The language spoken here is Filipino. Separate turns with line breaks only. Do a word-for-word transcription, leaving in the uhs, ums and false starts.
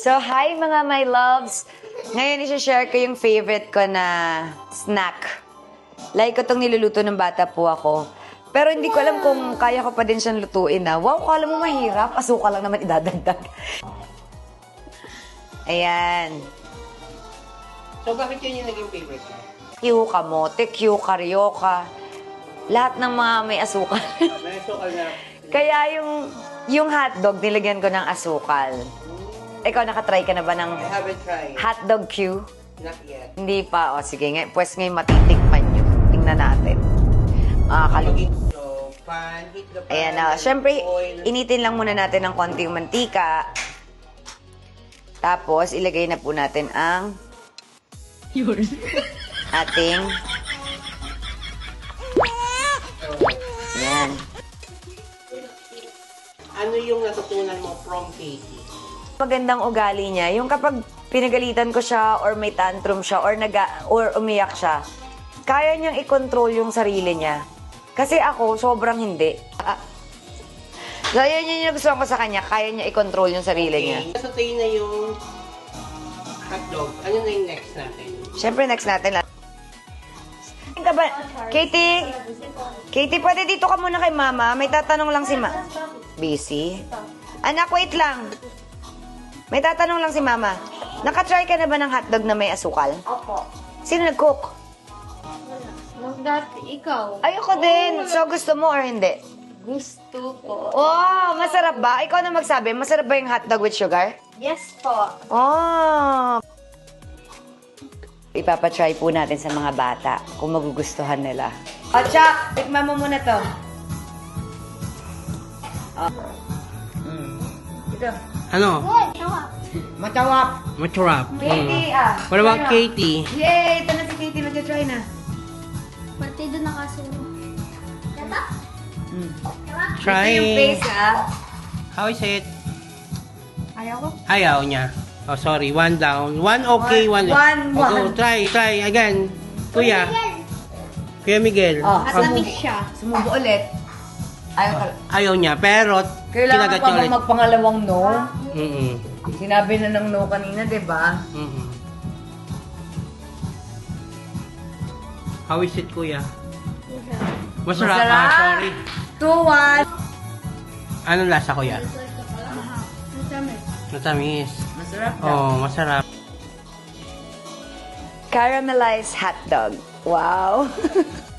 So, hi mga my loves! Ngayon, isi-share ko yung favorite ko na snack. Like ko itong niluluto ng bata po ako. Pero hindi ko alam kung kaya ko pa din siyang lutuin na. Wow, kala mo mahirap. Asuka lang naman idadagdag. Ayan.
So, bakit yun yung naging favorite mo?
Q, kamote, Q, karyoka. Lahat ng mga may asukal.
May sukal na.
Kaya yung, yung hotdog, nilagyan ko ng asukal. Ikaw, nakatry ka na ba ng
I haven't tried.
hotdog Q?
Not yet.
Hindi pa. O, sige nga. Pues ngayon matitikman nyo. Tingnan natin. Makakalugi.
So, pan, heat the pan.
Ayan na. Siyempre,
oil.
initin lang muna natin ng konting mantika. Tapos, ilagay na po natin ang ating ayan.
Ano yung natutunan mo from Katie?
Magandang ugali niya. Yung kapag pinagalitan ko siya or may tantrum siya or, naga, or umiyak siya, kaya niyang i-control yung sarili niya. Kasi ako, sobrang hindi. Ah. So, yun yun yung gusto ko sa kanya. Kaya niya i-control yung sarili niya.
Okay. So, tayo na yung hotdog. Ano na yung next natin?
Siyempre, next natin lang. Ka ba? Katie? Katie, pwede dito ka muna kay mama. May tatanong lang si ma... Busy? Anak, wait lang. May tatanong lang si mama. Nakatry ka na ba ng hotdog na may asukal?
Opo.
Sino nag-cook?
Dati ikaw.
Ayoko din. So, gusto mo or hindi?
Gusto ko.
Oh, masarap ba? Ikaw na magsabi, masarap ba yung hotdog with sugar?
Yes po.
Oh! Ipapatry po natin sa mga bata kung magugustuhan nila. O, oh, Chuck! Tikman mo muna to. Oh. Mm. Ito.
Ano?
Matawap.
Masarap.
Katie, ah.
What about
Try na.
Katie?
Yay! Ito na si Katie. Mag-try na.
Pati doon nakasunod. Diba?
Mm.
Try.
Ito yung face, ah.
How is it?
Ayaw ko.
Ayaw niya. Oh, sorry. One down. One okay, one...
One,
Oh,
one.
go. Try, try. Again. Kuya. Kuya Miguel.
Oh,
Um,
Malamig siya.
Sumubo ulit. Ayaw ka.
ayaw niya, pero
Kailangan
kinagat
pa
niya
ba
ulit.
magpangalawang no?
Mm-mm.
Sinabi na ng no kanina, di ba?
Mm-mm. How is it, kuya? Masarap.
Masarap.
Ah, sorry.
Two, one.
Anong lasa, kuya?
Masamit.
Matamis.
Masarap daw.
Oh, masarap.
Caramelized hot dog. Wow.